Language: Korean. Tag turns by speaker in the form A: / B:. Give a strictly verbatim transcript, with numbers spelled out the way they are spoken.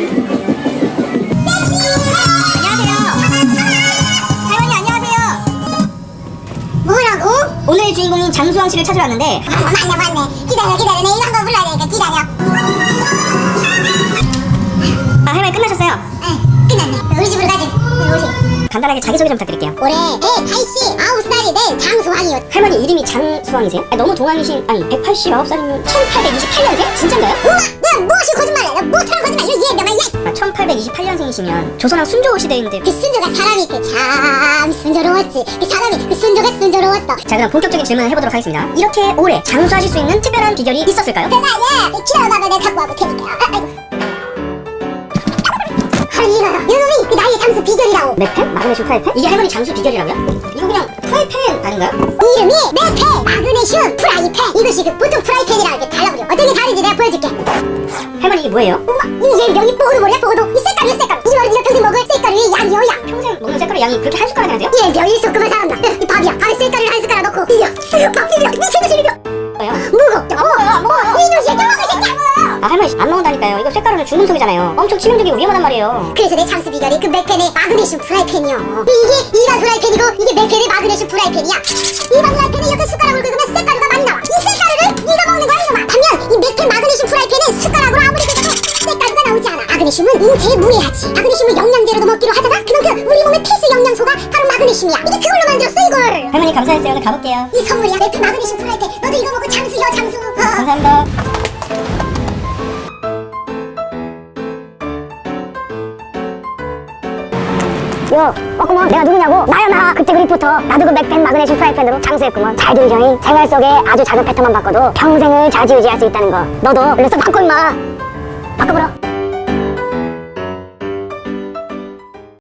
A: 오늘 주인공인 장수왕 씨를 찾으러 왔는데.
B: 아, 맞네 맞네. 기다려 기다려. 내 이거 한번 불러야 되니까 기다려.
A: 아, 할머니 끝나셨어요?
B: 응 끝났네. 우리 집으로 가지. 우리.
A: 간단하게 자기소개 좀 부탁드릴게요.
B: 올해 백팔십구 살이 된 장수왕이요.
A: 할머니 이름이 장수왕이세요? 아니, 너무 동안이신. 아니 백팔십구 살이면 천팔백이십팔 년생? 진짠가요?
B: 우와 내가 무엇이 거짓말이야. 내가 못하는 거짓말. 이거 얘 명말 얘.
A: 아, 천팔백이십팔 년생이시면 조선왕 순조 시대인데.
B: 그 순조가 사람이 그 참 순조로웠지. 그 사람이 그 순조가 순조로웠어.
A: 자, 그럼 본격적인 질문을 해보도록 하겠습니다. 이렇게 오래 장수하실 수 있는 특별한 비결이 있었을까요?
B: 내가 얘 기다려봐봐. 내가 갖고 와볼 테니까. 아, 아이고. 아니 이거요. 이놈이 그 나의 장수 비결이라고.
A: 맥펜? 마그네슘 프라이팬? 이게 할머니 장수 비결이라고요? 이거 그냥 프라이팬 아닌가요?
B: 이름이 맥펜 마그네슘 프라이팬. 이것이 그 보통 프라이팬이랑 이렇게 달라버려. 어떤 게 다른지 내가 보여줄게.
A: 할머니 이게 뭐예요?
B: 우와 이얘 명이 뽀글머리야 뽀글도. 이 색깔이야 색깔. 이거는 네가 평생 먹을 색깔 위에 양이요 양.
A: 평생 먹는 색깔의 양이 그렇게 한 숟가락이나 돼요?
B: 얘 명이 섞으면 살았나. 이 밥이야. 밥에 색깔을 한 숟가락 넣고 비벼. 밥 비벼. 네 생각을 비벼.
A: 뭐요?
B: 먹어. 안 먹어요 안 먹어요. 이놈 새끼 먹을 새끼 안 먹어요.
A: 아, 할머니 안 먹는다니까요. 이거 쇠가루는 죽는 속이잖아요. 엄청 치명적이고 위험하단 말이에요.
B: 그래서 내 장수 비결이 그 맥펜의 마그네슘 프라이팬이요. 이게 일반 프라이팬이고 이게 맥펜의 마그네슘 프라이팬이야. 일반 프라이팬에 이렇게 숟가락을 긁으면 쇳가루가 많이 나와. 이 쇳가루를 네가 먹는 거야 이놈아. 반면 이 맥펜 마그네슘 프라이팬은 숟가락으로 아무리 긁어도 쇳가루가 나오지 않아. 마그네슘은 인체에 무해하지. 마그네슘을 영양제로도 먹기로 하잖아. 그만큼 우리 몸의 필수 영양소가 바로 마그네슘이야. 이게 그걸로 만들었어 이걸.
A: 할머니 감사했어요. 오늘 가볼게요.
B: 이 선물이야. 맥펜 마그네슘 프라이팬. 너도 이거 먹고 장수여 장수. 어.
A: 감사합니다.
C: 요, 어구먼 내가 누구냐고? 나야 나 그때 그 리포터. 나도 그 맥펜 마그네슘 프라이팬으로 장수했구먼. 잘 들으셔잉. 생활 속에 아주 작은 패턴만 바꿔도 평생을 좌지우지할 수 있다는 거. 너도 얼른 써 바꿔 임마. 바꿔보라.